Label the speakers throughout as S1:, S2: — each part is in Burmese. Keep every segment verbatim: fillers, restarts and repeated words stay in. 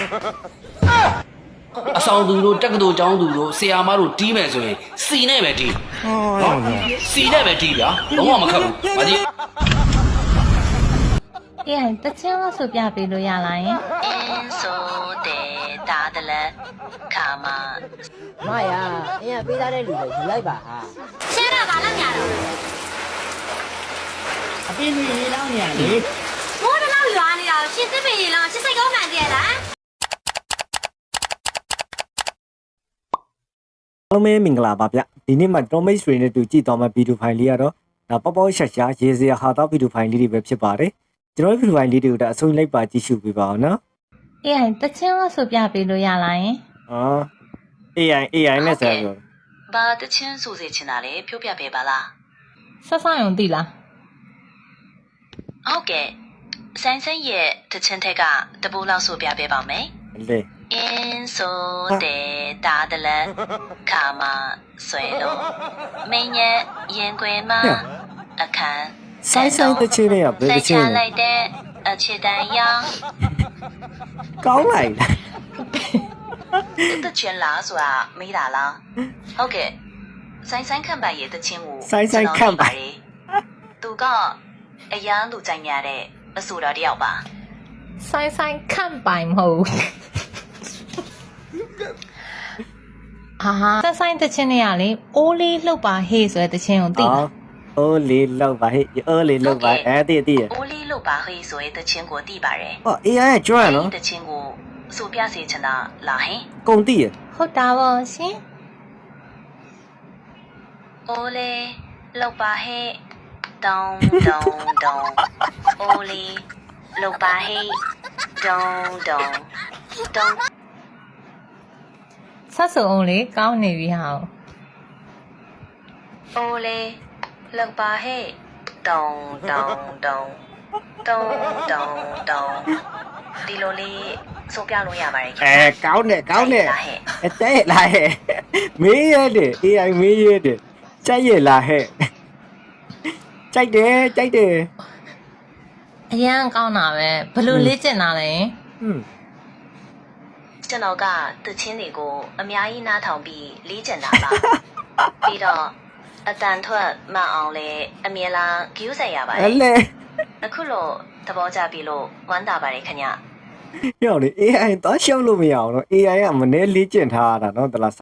S1: အဆောင်သူတို့တက်ကတူចောင်းသူတို့ဆရာမတို့တီးမယ်ဆိုရင်စီနဲ့ပဲတီးနော်စီနဲ့ပဲတီးဗျာလုံးဝမခက်ဘူးမကြီး
S2: အေးတချင်းလို့ဆိုပြပေးလို့ရလားယင်
S3: အင်းဆိုတဲ့ဒါတလဲခါမ
S4: မရအင်းကပေးသားတဲ့လူတွေယူလိုက်ပါဟာ
S3: ရှင်းတာဘာလို့ညာတော့
S4: အပြင်းကြီးရေလောင်းနေရလေ
S3: မိုးတလောက်ရွာနေတာရှင်းစစ်ပင်ရေလောင်းရှင်းစိတ်ကောင်းမှန်တည်းလား
S5: အားလုံးမင်္ဂလာပါဗျဒီနေ့မှာတော်မိတ်ဆွေနဲ့တူကြည့်သွားမယ့်ဗီဒီယိုဖိုင်လေးကတော့ဒါပေါပေါရှာရှာရေစရာဟာတော့ဗီဒီယိုဖိုင်လေးတွေပဲဖြစ်ပါတယ်ကျွန်တော်ဗီဒီယိုဖိုင်လေးတွေကိုဒါအဆုံးလိုက်ပါကြည့်ရှုပေးပါအောင်နော်
S2: အေးတချင်းလို့ဆိုပြပေးလို့ရလားယင်
S5: အော် အေးအိုင် အေးအိုင် နဲ့ဆက်ပြော
S3: ဘာတချင်းဆိုစေချင်တာလဲဖြိုးပြပေးပါလား
S2: ဆက်ဆောင်ရုံသိလား
S3: ဟုတ်ကဲ့ဆိုင်ဆိုင်ရဲ့တချင်းထက်ကတပူလောက်ဆိုပြပေးပါမယ်
S5: လေ
S3: အင်းဆိုတဲ့ဒါတလဲခါမဆွဲလို့မင်းရဲ့ရင်ခွေမှာအခန်း
S5: ဆိုင်ဆိုင်တချင်းတွေကဘယ်တချင်းလဲ
S3: လိုက်တဲ့အချစ်တန်ရောင်
S5: ကောင်းလိုက်လား
S3: တချင်းလားဆိုတာမေးတာလားဟုတ်ကဲ့ဆိုင်ဆိုင်ခန့်ပိုင်ရဲ့တချင်းကို
S5: ဆိုင်ဆိုင်ခန့်ပိုင်
S3: သူကအရန်လူကြိုက်များတဲ့အဆိုတော်တယောက်ပါ
S2: ဆိုင်ဆိုင်ခန့်ပိုင်မဟုတ်အာဆက်ဆိုင်တချင်းတွေကလေအိုးလေးလှုပ်ပါဟေးဆိုတဲ့တချင်းကိုသိလား
S5: အိုးလေးလှုပ်ပါဟေးအိုးလေးလှုပ်ပါအဲတည်တည်
S3: အိုးလေးလှုပ်ပါဟေးဆိုတဲ့တချင်းကိုသိပါတယ်
S5: ဟော အေးအိုင် ကကျွမ်းနော်
S3: တချင်းကိုဆိုပြစေချင်တာလားဟင်
S5: ကုန်တည်ရ
S2: ဟုတ်တာပါရှင်
S3: အိုးလေးလှုပ်ပါဟေးတောင်းတောင်းတောင်းအိုးလေးလှုပ်ပါဟေးတောင်းတောင်းတောင်း
S2: ဆက်စုံအောင်လေကောင်းနေပြီဟာ
S3: အိုးလေးလှုပ်ပါဟေးတောင်းတောင်းတောင်းတောင်းတောင်းတောင်းဒီလိုလေးဆိုပြလို့ရပါတယ်ခင်ဗျ
S5: အဲကောင်းတယ်ကောင်းတယ်အဲတဲ့လာဟဲ့မေးရတယ် အေးအိုင် မေးရတယ်ကြိုက်ရလားဟဲ့ကြိုက်တယ်ကြိုက်တယ်
S2: အရန်ကောင်းတာပဲဘလို့လေ့ကျင့်တာလဲ
S5: ဟွန်း
S3: ကျွန်တော်ကတချင်းတွေကိုအများကြီးနားထောင်ပြီးလေ့ကျင့်တာပါပြီးတော့အတန်ထွက်မှအောင်လဲအမြဲတမ်းဂရုစိုက်ရပါတယ်
S5: အဲ့လေ
S3: အခုလို့သဘောကျပြီလို့ဝမ်းသာပါတယ်ခင်ဗျ
S5: ပြောလေ အေးအိုင် တော့ရှောက်လို့မရအောင်တော့ အေးအိုင် ကမနေလေ့ကျင့်ထားရတာနော်တလား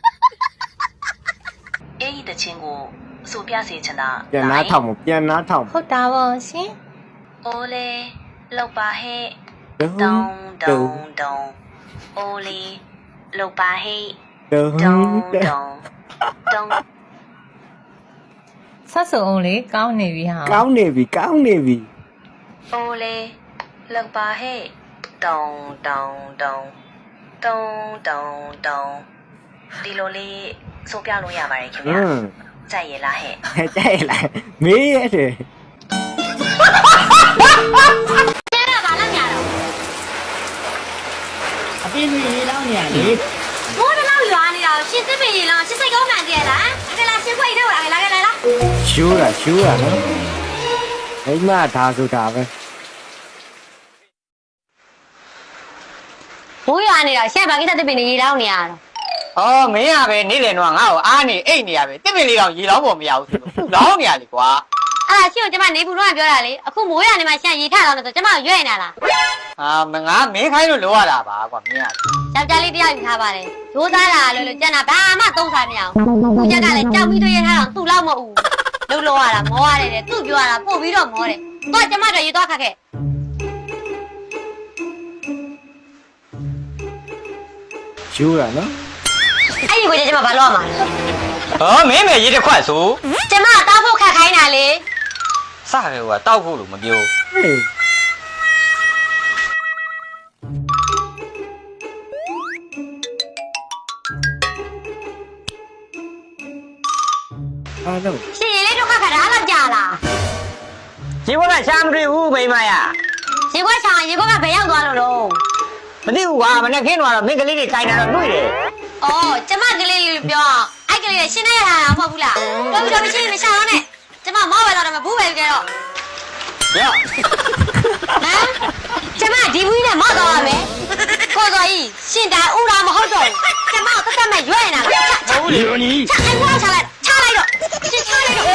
S3: အေးဒီတချင်းကိုဆိုပြစေချင်တာ
S5: ပြန်နားထောင်ပြန်နားထောင်
S2: ဟုတ်တာပါရှင်
S3: အိုးလေးလှုပ်ပါဟဲ့တောင်းတောင်းတောင်းအိုးလေးလှုပ်ပါဟဲ့
S5: တောင်း
S3: တောင်းတောင်းတောင်း
S2: ဆက်စုံအောင်လေကောင်းနေပြီဟာ
S5: ကောင်းနေပြီကောင်းနေပြီ
S3: အိုးလေးလှုပ်ပါဟဲ့တောင်းတောင်းတောင်းတောင်းတောင်းတောင်းဒီလိုလေးဆိုပြလို့ရပါတယ်ခင်ဗျာကြိုက်ရလားဟဲ့
S5: ကြိုက်ရလားမေးရတယ်
S3: ကျဲတာဘာလို့ညာတော့
S4: အပြင်းကြီးရေလောင်းနေရလေ
S3: မိုးတလောက်ရွာနေတာရှင်းစစ်ပင်ရေလောင်းရှင်းစိတ်ကောင်းမှန်တည်းလားအကလာရှင်းခွေထဲကိုလာခဲ့လာခဲ့လား
S5: ရှိုးတာရှိုးတာနော်အိမ်မဒါဆိုတာပဲ
S3: မိုးရွာနေတာရှက်ဘာကိစ္စတစ်ပင်ရေလောင်းနေရတော့
S4: အော်မင်းကပဲနေ့လည်တော့ငါ့ကိုအားနေအိတ်နေရပဲတစ်ပင်လေးတော့ရေလောင်းဖို့မရဘူးဆိုတော့လောင်းနေရလေကွာ
S3: အဲ့ဒါရှင်းကိုကျမနေဘူးတော့ပြောတာလေအခုမိုးရွာနေမှာရှက်ရေထလောင်းနေဆိုကျမကိုရွဲ့နေတာလား
S4: အာမငါမင်းခိုင်းလို့လောရတာပါကွာမင်းက
S3: ယောက်ျားလေးတယောက်ယူထားပါတယ်ရိုးသားတာလို့လို့ကြက်တာဘာမှသုံးစားမရအောင်ခုချက်ကလည်းကြောက်ပြီးတွေ့ရထားတော့သူ့လောက်မဟုတ်ဘူးလှုပ်လောရတာမောရတယ်တဲ့သူ့ပြောရတာပို့ပြီးတော့မောတယ်တော့ကျမတို့ရေသွားခတ်ခဲ့
S5: ရှိုးတာနော်
S3: အဲ့ဒီကိုကျမဘာလို့ရမှာလဲ
S4: ဟောမင်းပဲရေတစ်ခွက်ဆို
S3: ကျမတောက်ဖို့ခတ်ခိုင်းတာလေ
S4: စရဲကတောက်ဖို့လို့မပြော
S5: ဟေးအားလုံး
S3: ရှင်ရေလေးတို့ခတ်ခတ်တာအဲ့လောက်ကြာလား
S4: ရေဘွက်ကရှားမတွေ့ဘူးမိမရ
S3: ရေဘွက်ချောင်းရေဘွက်ကဘယ်ရောက်သွားလို့တော့
S4: မသိဘူးကွာမနေ့ခင်းတော့မင်းကလေးတွေခိုင်းတာတော့တွေ့တယ်
S3: ။အော်ကျမကလေးလေးပြောအဲ့ကလေးတွေရှင်းနေရတာမဟုတ်ဘူးလား။တော်ပြီတော်ပြီရှင်းမရှာတော့နဲ့ကျမမောက်ပဲတော့တယ်မဘူးပဲကြတော့
S4: ။ရော့
S3: ဟမ်ကျမဒီဘူးနဲ့မောက်တော့ရမယ်။ကိုကိုစောကြီးရှင်တိုင်ဥရာမဟုတ်တော့ဘူးကျမကိုတက်တက်မဲ့ရွက်နေတာလားဟုတ်လေနီချအိမ်ဝါချလိုက်ချလိုက်တော့ချချလိုက်တော့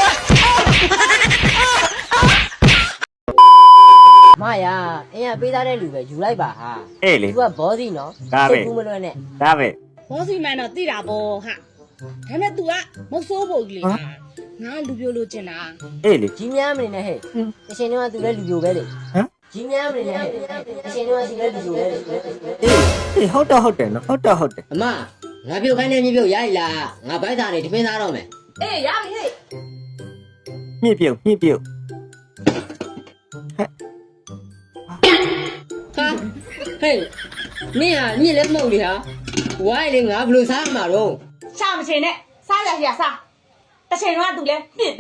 S6: မရအင်းကပေးသားတဲ့လူပဲယူလိုက်ပါဟာ
S5: အေးလေ
S6: သူကဘောစီနော်
S5: ဒါပဲ
S6: ဘူးမလွဲနဲ့
S5: ဒါပဲ
S7: ဘောစီမန်တော့တိတာပေါ့ဟာဒါပေမဲ့ तू ကမဟုတ်ဆိုးဖို့ကြီးလေဟာငါလူပြိုလို့ကျင်တာ
S5: အေးလေ
S6: ကြီးများမနေနဲ့ဟဲ့တရှင်တော့ကသူလည်းလူပြိုပဲလေ
S5: ဟမ်
S6: ကြီးများမနေနဲ့ဟဲ့တရှင်တော့ကသူလည်းလူပြိုပဲလေ
S5: အေးအေးဟုတ်တော့ဟုတ်တယ်နော်ဟုတ်တော့ဟုတ်တယ်
S6: အမငါပြုတ်ခိုင်းနေမြေပြုတ်ရိုက်လားငါဘိုက်သားနေတမင်းသားတော့မယ်
S7: အေးရပြီဟဲ့
S5: မြင့်ပြုတ်မြင့်ပြုတ်
S6: ဟာဟဲ့မင်းဟာညစ်လည်းမဟုတ်လေဟာဝိုင်းလေငါဘယ်လိုစားမှာတော့
S7: ရှာမချင်နဲ့စားရရစားတစ်ချိန်တော့ तू လဲပြစ်ပဲ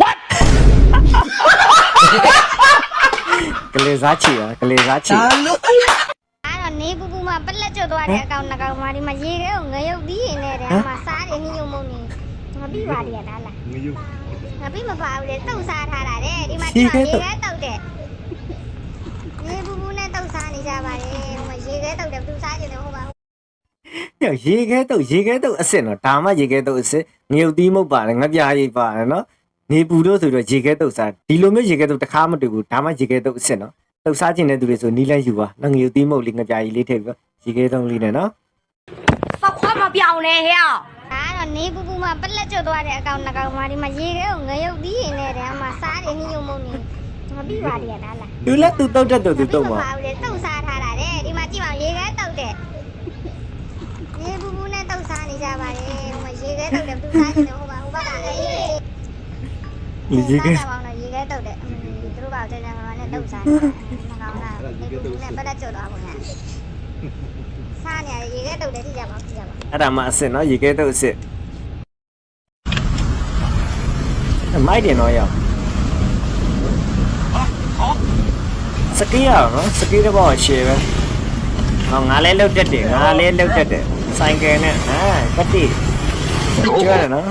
S5: ကလေးစားချီပါကလေးစားချီ
S3: အဲ့တော့နေပူပူမှာပလက်ကျွတ်သွားတဲ့အကောင်နှကောင်မှာဒီမှာရေခဲကိုငရုတ်ပြီးရင်လည်းအမစားတယ်နှင်းယုံမုံနေငါပြီးပါလေလားလားငရုတ်ငါပြီးမပါဘူးလေတုတ်စားထားတာတဲ့ဒီမှာဒီမှာရေခဲတုတ်တဲ့နေပူပူနဲ့တုတ်စားနေကြပါလေဟိုမှာရေခဲတုတ်တယ်သူစားကြတယ်ဟုတ်ပါဘူး
S5: ညရေခဲတော့ရေခဲတော့အစ်စ်နော်ဒါမှရေခဲတော့အစ်စ်ငရုတ်သီးမုတ်ပါတယ်ငါပြားရိပ်ပါတယ်နော်နေပူတော့ဆိုတော့ရေခဲတော့စားဒီလိုမျိုးရေခဲတော့တစ်ခါမတူဘူးဒါမှရေခဲတော့အစ်စ်နော်တုတ်စားခြင်းတဲ့သူတွေဆိုနီးလန်းယူပါနော်ငရုတ်သီးမုတ်လေးငါပြားရိပ်လေးထည့်ပြီးရေခဲတော့လေးနဲ့နော်
S3: စောက်ခွားမပြောင်းနဲ့ဟဲ့ဒါကတော့နေပူပူမှာပလက်ကျွတ်သွားတဲ့အကောင်နှကောင်မှာဒီမှာရေခဲကိုငရုတ်ပြီးရင်လည်းအမစားတယ်နှင်းယုံမုံနေငါပြီးပါလေလားလား
S5: သူလည်းသူတုတ်တဲ့သူသူတုတ်ပါ
S3: ပါဘူးလေတုတ်စားထားတာတဲ့ဒီမှာကြည့်ပါရေခဲတုတ်တဲ့ရေဘူးဘူးနဲ့တုတ်စားနေကြပါလေဟိုမှာရေခဲတုတ်တယ်သူစားနေတယ်ဟိုပါဟိုဘက်ကလည်း
S5: ရေခဲ
S3: စားပါအောင်ရေခဲတုတ်တဲ့သူတို့ပါတဲ့နေရာမှာနဲ့တုတ်စားနေတာမကောင်းလားရေဘူးနဲ့ပတ်သက်ကြတော့ပါဗျာစားနေရရေခဲတုတ်တယ်ကြည့်ကြပါကြည့်ကြပါ
S5: အဲ့ဒါမှအစ်စ်နော်ရေခဲတော့အစ်စ်မိုက်တယ်နော်ရောက်စကီးရအောင်နော်စကီးတော့ရှယ်ပဲဟောငါလည်းလုတ်တက်တယ်ငါလည်းလုတ်တက်တယ်ဆိုင်ကယ်နဲ့ဟာကတိကျွတ်ရနော်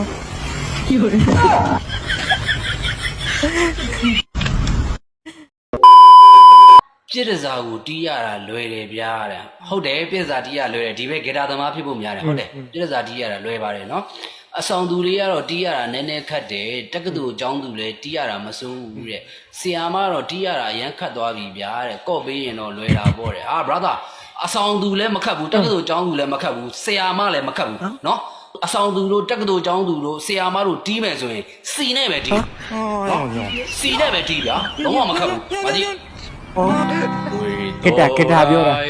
S1: ပြစ်ဒဇာကိုတီးရတာလွယ်တယ်ဗျာတဲ့ဟုတ်တယ်ပြစ်ဒဇာတီးရလွယ်တယ်ဒီဘက်ဂီတာသမားဖြစ်ဖို့များတယ်ဟုတ်တယ်ပြစ်ဒဇာတီးရတာလွယ်ပါတယ်နော်အဆောင်သူတွေကတော့တီးရတာနည်းနည်းခက်တယ်တက္ကသိုလ်အကျောင်းသူလည်းတီးရတာမစိုးဘူးတဲ့ဆီယာမကတော့တီးရတာအရန်ခတ်သွားပြီဗျာတဲ့ကော့ပေးရင်တော့လွယ်တာပေါ့တဲ့ဟာ brother အဆောင်သူလည်းမခတ်ဘူးတက္ကသိုလ်အကျောင်းသူလည်းမခတ်ဘူးဆီယာမလည်းမခတ်ဘူးနော်အဆောင်သူတို့တက္ကသိုလ်အကျောင်းသူတို့ဆီယာမတို့တီးမယ်ဆိုရင်စီနဲ့ပဲတီးနော်စီနဲ့ပဲတီးဗျာလုံးဝမခတ်ဘူးမကြည့်
S5: ကတာကတာပြောတာ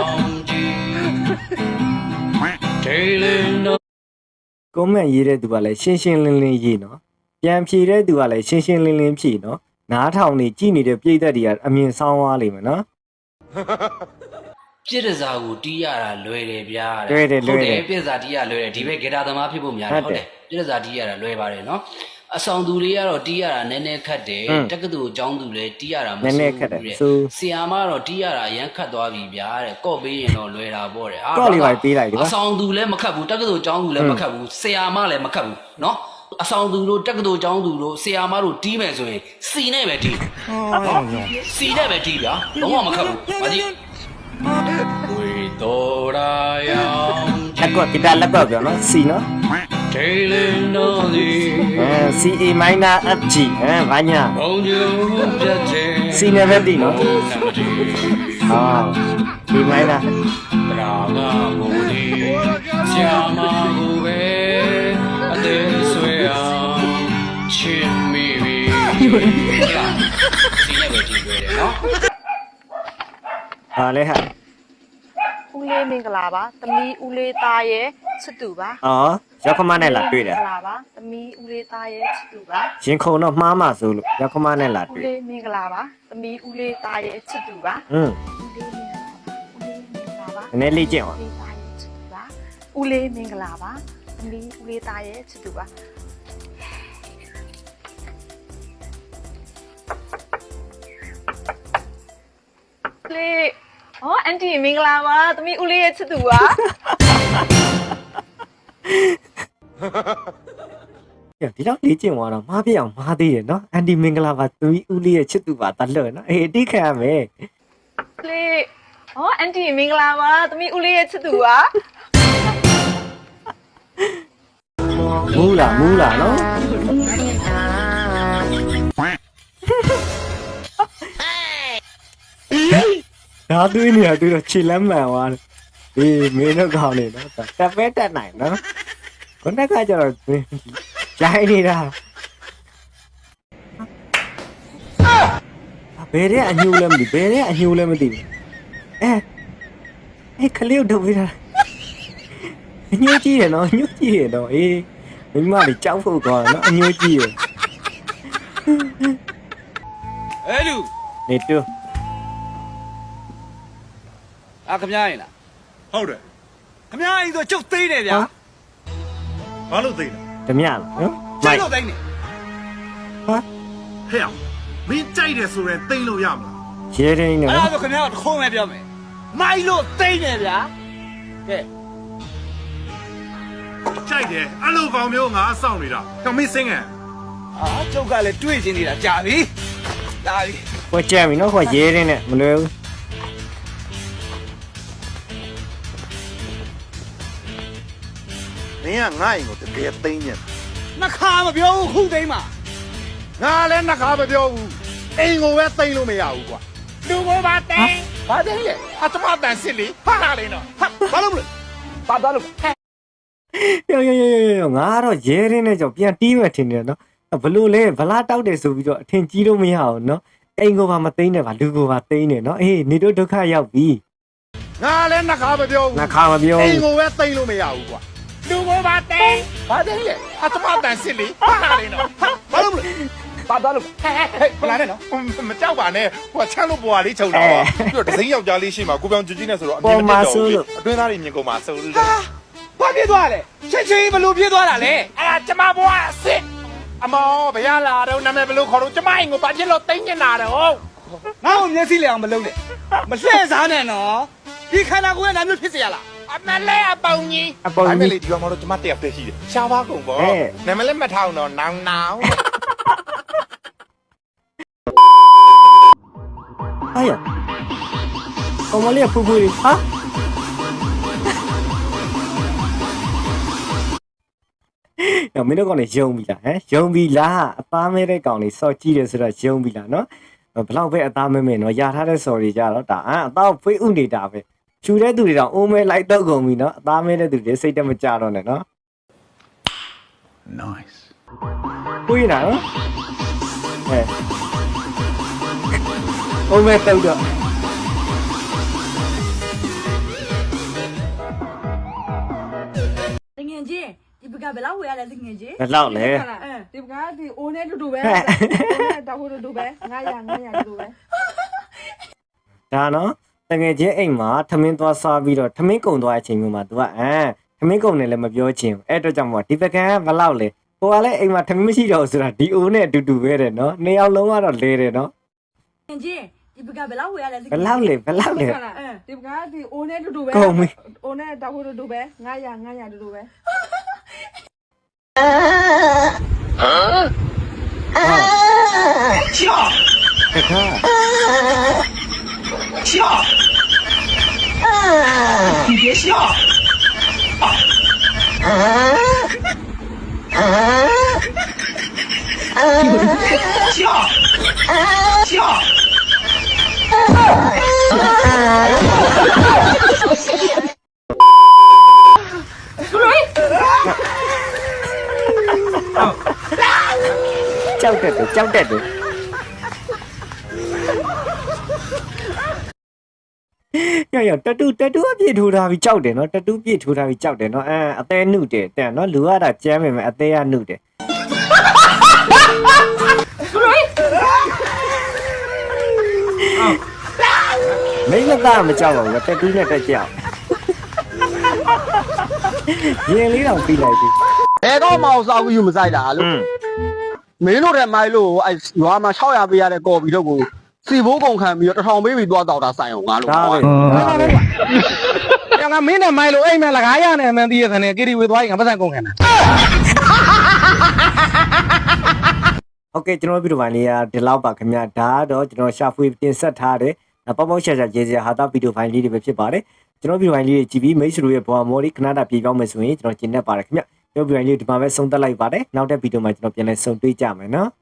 S5: ကွန်မန့်ရေးတဲ့သူကလည်းရှင်းရှင်းလင်းလင်းရေးနော်ပြန်ဖြေတဲ့သူကလည်းရှင်းရှင်းလင်းလင်းဖြေနော်နားထောင်နေကြည့်နေတဲ့ပြည်သက်တွေကအမြင်ဆောင်သွားလိမ့်မယ်နော်
S1: ပြစ်ဒဇာကိုတီးရတာလွယ်တယ်ဗျာ
S5: လွယ်တယ်လွယ်တယ်
S1: ပြစ်ဒဇာတီးရလွယ်တယ်ဒီဘက်ဂီတာသမားဖြစ်ဖို့များတယ်
S5: ဟု
S1: ဟုတ် တ်
S5: တ
S1: တယ် ယ်ပြစ်ဒဇာတီးရတာလွယ်ပါတယ်နော်အဆောင်သူတွေကတော့တီးရတာနည်းနည်းခတ်တယ်
S5: ဟွန်း
S1: တက္ကသိုလ်အကျောင်းသူလည်းတီးရတာမ
S5: နည်းနည်း
S1: စိုး
S5: ခက်တယ်
S1: ဘူးတဲ့
S5: ဆို
S1: ဆီယာမကတော့တီးရတာအရန်ခတ်သွားပြီဗျာတဲ့ကော့ပေးရင်တော့လွယ်တာပေါ့တဲ့ဟာ
S5: ကော့လေးပါပေးလိုက်ဒီပါ
S1: အဆောင်သူလည်းမခတ်ဘူးတက္ကသိုလ်အကျောင်းသူလည်းမခတ်ဘူးဆီယာမလည်းမခတ်ဘူးနော်အဆောင်သူတို့တက္ကသိုလ်အကျောင်းသူတို့ဆီယာမတို့တီးမယ်ဆိုရင်စီနဲ့ပဲတီးနော်စီနဲ့ပဲတီးဗျာလုံးဝမခတ်ဘူးမကြည့်ဝေတော်ရာယံ
S5: လက်ကွက်ကတာလက်ကွက်ပြောနော် C နော်
S1: ဒေလင်တော်ဒီ
S5: အဲ C A minor F G အဲဘာညာ
S1: ဘုံကျုံပြတ်တဲ့
S5: C နဲ့ပဲတီးနော်
S1: နမတိ
S5: ဟာ D minor
S1: တရာငါမူဒီဆရာမကိုပဲအသေးဆွဲအောင်ချစ်မိပြီဟုတ်လားစီနဲ့ပဲတီးကြတယ်နော်
S5: ဟာလဲဟာ
S8: ဦးလေးမင်္ဂလာပါသမီးဦးလေးသားရဲ့ချစ်သူပါ
S5: အော်ရောက်ခမနဲ့လာတွေ့တယ်
S8: မင်္ဂလာပါသမီးဦးလေးသားရဲ့ချစ်သူပါ
S5: ရင်ခုံတော့မှားမှဆိုလို့ရောက်ခမနဲ့လာ
S8: ဦး
S5: တွေ့
S8: လေးမင်္ဂလာပါသမီးဦးလေးသားရဲ့ချစ်သူပါ
S5: อืม
S8: ဦးလေးမင်္ဂလာပါဦးလေးမင်္ဂလာပါ
S5: နည်းနည်းလေးကျင့်အောင်
S8: ဦးလေးသားရဲ့ချစ်သူပါဦးလေးမင်္ဂလာပါသမီးဦးလေးသားရဲ့ချစ်သူပါလေးဟောအန်တီမင်္ဂလာပါသမီးဦးလေးရဲ့ချစ်သူပါ
S5: ဒီတော့လေးကျင့်သွားတော့မှားပြအောင်မှားသေးတယ်နော်အန်တီမင်္ဂလာပါသူကြီးဦးလေးရဲ့ချစ်သူပါတလွတ်နော်အေးအတိခံရမယ်
S8: လေးဟောအန်တီမင်္ဂလာပါသမီးဦးလေးရဲ့ချစ်သူပါ
S5: မူးလားမူးလားနော်ဒါတွေးနေရတွေ့တော့ခြေလမ်းမှန်သွားတယ်အေးမင်းတို့ကောင်းနေနော်တက်ပဲတက်နိုင်နော်ခုနကကျတော့ရိုင်းနေတာဘယ်တဲ့အညိုးလဲမသိဘယ်တဲ့အညိုးလဲမသိဘူးအဲအဲခလေးတို့ပြီးတာအညိုးကြီးရနော်အညိုးကြီးရနော်အေးမိမလေးကြောက်ဖို့ကောနော်အညိုးကြီးရ
S1: အဲ့လူ
S5: နေတူ
S1: အာခမရရင်လား
S9: ဟုတ်တယ်
S1: ခမရရင်ဆိုကျုပ်သိနေဗျာ
S9: ဘာလို့သိလဲ
S5: ဓမြလားနော်
S1: ကျုပ်လို့သိနေ
S5: ဟာ
S9: ဟဲ့အောင်မင်းကြိုက်တယ်ဆိုရင်သိမ့်လို့ရမလား
S5: ရဲရင်းနေ
S1: အဲ့
S5: နော်
S1: ဒါဆိုခမရတခုံးပဲပြောမယ်မိုက်လို့သိနေဗျာကဲ
S9: ကြိုက်တယ်အဲ့လိုကောင်မျိုးငါစောင့်နေတာတော့မင်းစင်းငယ်
S1: အာကျုပ်ကလည်းတွေ့ချင်းနေတာကြာပြီလာပြီ
S5: ဟိုကြက်ပြီနော်ဟိုရဲရင်းနဲ့မလွယ်ဘူး
S9: မင်းကငါ့အိမ်ကိုတကယ်သိမ့်ညက်
S1: နှခါမပြောဘူးခုသိမ်းမှာ
S9: ငါလည်းနှခါမပြောဘူးအိမ်ကိုပဲသိမ့်လို့မရဘူးကွာလူကိုပါသိမ့်ဘာသိမ့်လဲအတမတန်စစ်လေဟာလာလေနော်ဟာဘာလို့မလဲပါသွားလို့
S5: ယောယောယောယောငါကတော့ရဲရင်းနဲ့ကြောင့်ပြန်တီးမယ်ထင်တယ်နော်ဘလို့လဲဗလားတောက်တယ်ဆိုပြီးတော့အထင်ကြီးလို့မရအောင်နော်အိမ်ကိုပါမသိမ်းနဲ့ပါလူကိုပါသိမ်းနေနော်အေးနေတို့ဒုက္ခရောက်ပြီ
S9: ငါလည်းနှခါမပြောဘူး
S5: နှခါမပြော
S9: အိ
S5: ဘူး
S9: မ်ကိုပဲသိမ့်လို့မရဘူးကွာလူကိုပါသိမ့်ဘာသိမ့်လဲအတမတန်စစ်လေဟာလာလေနော်ဟာဘာလို့မလဲပါသွားလို့ဟဲ့ဟဲ့ဟဲ့လာနဲ့နော်မကြောက်ပါနဲ့ဟိုချမ်းလို့ပွားလေးခြုံတာပါပြီးတော့ဒစိမ့်ယောက်ျားလေးရှိမှာကိုပြောင်ကြွကြီးနဲ့ဆိုတော့အမြင်မတက်တော့ဘူးအတွင်းသားတွေမြင်ကုန်မှာဆိုလို့
S1: ဘာပြေးသွားလဲချက်ချင်းဘလို့ပြေးသွားတာလဲ
S9: အဲ့ဒါကျမဘွားအစ်စ်အမောဘယ်ရလာတော့နာမည်ဘယ်လိုခေါ်တော့ကျမအိမ်ကိုဘာဖြစ်လို့တိမ့်နေတာတော့
S1: ငါ့ကိုမျက်စိလဲအောင်မလုံးနဲ့မလှည့်စားနဲ့နော်ဒီခန္ဓာကိုယ်ကနာမျိုးဖြစ်เสียလား
S9: အမလဲအပေါင်ကြီး
S5: အပေါ်
S9: ဒါမဲ့
S5: ကြီး
S9: လေဒီကောင်မတော့ကျမတယောက်တည်းရှိတယ်ရှားပါကုန်ပေါ့
S5: ဟဲ့
S9: နာမည်လည်းမထောင်တော့နောင်နောင်
S5: ဟာရအမလေးဖူဖူဟာညမင်းတို့ကောင်နေယုံပြီလားဟမ်ယုံပြီလားအသားမဲတဲ့ကောင်လေးစော့ကြည့်တယ်ဆိုတော့ယုံပြီလားနော်ဘလောက်ပဲအသားမဲမဲနော်ရထားတဲ့စော်တွေကြတော့ဒါအအသားဖေးဥနေတာပဲချူတဲ့သူတွေတော့အိုးမဲလိုက်တော့ကုန်ပြီနော်အသားမဲတဲ့သူတွေစိတ်တမကြတော့နဲ့နော်
S9: nice
S5: ကိုရနော်ဟဲ့အိုးမဲတော့တော့
S7: တငယ်ချင်းဒီဘကဘယ်လောက်ဝယ်ရလဲတငယ်ချင်း
S5: ဘယ်လောက်လဲ
S7: အဲဒီဘကဒီအိုးနဲ့တူတူပဲအိုးနဲ့တောက်ဖို့တူတူပဲငါရငါရတူတူပဲ
S5: ဒါနော်တကယ်ချင်းအိမ်မှာထမင်းသွားစားပြီးတော့ထမင်းကုံသွားတဲ့အချိန်မျိုးမှာ तू ကအဲထမင်းကုံနဲ့လည်းမပြောချင်ဘူးအဲ့အတွက်ကြောင့်မို့ဒီပကံကဘယ်လောက်လဲဟိုကလည်းအိမ်မှာထမင်းမရှိတော့ဘူးဆိုတာဒီအိုးနဲ့အတူတူပဲတဲ့နော်နှစ်ယောက်လုံးကတော့လဲတယ်နော်
S7: တငယ်ချင်းဒီဘကဘယ်လောက်ဝယ်ရလဲ
S5: ဘယ်လောက်လဲဘယ်လောက်လဲ
S7: အဲဒီဘကဒီအိုးနဲ့တူတူပဲ
S5: ကုန်ပြီ
S7: အိုးနဲ့တောက်ဖို့တူတူပဲငါရငါရတူတူပဲ
S5: တခါ ကြောက်တက်တယ်ကြောက်တက်တယ်ရရတတူတတူအပြည့်ထိုးထားပြီးကြောက်တယ်နော်တတူပြည့်ထိုးထားပြီးကြောက်တယ်နော်အဲအသေးနှုတ်တယ်တဲ့နော်လူရတာကျမ်းပေမဲ့အသေးကနှုတ်တယ်မင်းကသားမကြောက်ပါဘူးတတူနဲ့တက်ကြောက်ရင်လေးတော့ပြီးလိုက်ပြီ
S10: ဘယ်တော့မှအောင်စားဘူးယူမဆိုင်တာလို့မင်းတို့တဲ့မိုင်းလို့အဲရွာမှာ၆၀၀ပေးရတဲ့ကော်ပီတော့ကိုစီဘိုးကုန်ခံပြီးတော့တစ်ထောင်ပေးပြီးသွားတော့တာဆိုင်အောင်ငါလို့
S5: ဒါပဲ
S10: ငါမင်းနဲ့မိုင်းလို့အိမ်မဲ့လကားရနဲ့မှန်းသိရတဲ့ကီရီဝေသွားရင်ငါပတ်စံကုန်ခံတာ
S5: โอเคကျွန်တော်ဗီဒီယိုပိုင်းလေးကဒီလောက်ပါခင်ဗျာဒါကတော့ကျွန်တော်ရှာဖွေတင်ဆက်ထားတဲ့ပေါပေါရှာရှာရေးစရာဟာတာဗီဒီယိုဖိုင်လေးတွေပဲဖြစ်ပါတယ်ကျွန်တော်ဗီဒီယိုဖိုင်လေးတွေကြည့်ပြီးမိတ်ဆွေတို့ရဲ့ဘဝမော်လေးခဏတာပြေပြောင်းမယ်ဆိုရင်ကျွန်တော်ကျင်နေပါတယ်ခင်ဗျကျွန်တော်ဗီဒီယိုဖိုင်လေးဒီမှာပဲဆုံးသက်လိုက်ပါတယ်နောက်တဲ့ဗီဒီယိုမှာကျွန်တော်ပြန်လည်ဆုံတွေ့ကြမယ်နော်